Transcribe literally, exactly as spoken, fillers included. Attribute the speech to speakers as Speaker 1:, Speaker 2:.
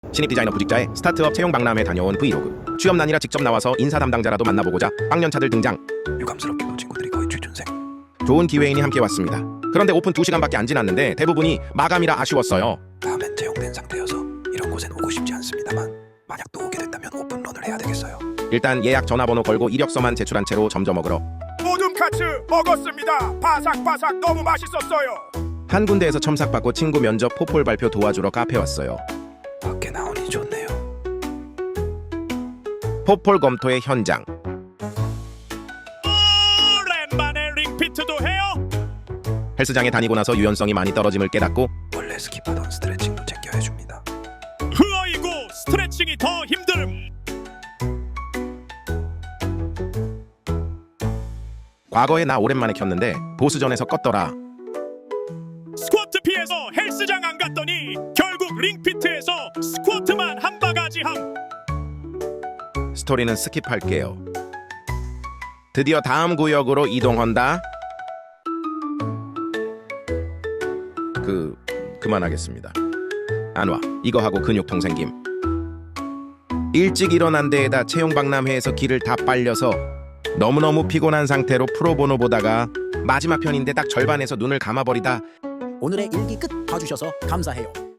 Speaker 1: 신입 디자이너 구직자의 스타트업 채용 박람회 다녀온 브이로그. 취업난이라 직접 나와서 인사 담당자라도 만나보고자 빵년차들 등장.
Speaker 2: 유감스럽게도 친구들이 거의 취준생.
Speaker 1: 좋은 기회인이 함께 왔습니다. 그런데 오픈 두 시간밖에 안 지났는데 대부분이 마감이라 아쉬웠어요.
Speaker 2: 다음엔 채용된 상태여서 이런 곳엔 오고 싶지 않습니다만 만약 또 오게 된다면 오픈런을 해야 되겠어요.
Speaker 1: 일단 예약 전화번호 걸고 이력서만 제출한 채로 점점 먹으러
Speaker 3: 모둠 카츠 먹었습니다. 바삭바삭 너무 맛있었어요.
Speaker 1: 한 군데에서 첨삭받고 친구 면접 포폴 발표 도와주러 카페 왔어요.
Speaker 2: 밖에 나오니 좋네요.
Speaker 1: 포폴 검토의 현장.
Speaker 3: 오랜만에 링피트도 해요.
Speaker 1: 헬스장에 다니고 나서 유연성이 많이 떨어짐을 깨닫고
Speaker 2: 원래 스킵하던 스트레칭도 챙겨 해줍니다.
Speaker 3: 흐어이고 스트레칭이 더 힘듦.
Speaker 1: 과거에 나 오랜만에 켰는데 보스전에서 껐더라.
Speaker 3: 스쿼트 피해서 헬스장 안 갔더니 결국 링피트에서 스쿼트만 한 바가지 함.
Speaker 1: 스토리는 스킵할게요. 드디어 다음 구역으로 이동한다. 그... 그만하겠습니다. 안 와. 이거 하고 근육통 생김. 일찍 일어난 데에다 채용 박람회에서 길을 다 빨려서 너무너무 피곤한 상태로 프로보노 보다가 마지막 편인데 딱 절반에서 눈을 감아버리다
Speaker 4: 오늘의 일기 끝 봐주셔서 감사해요.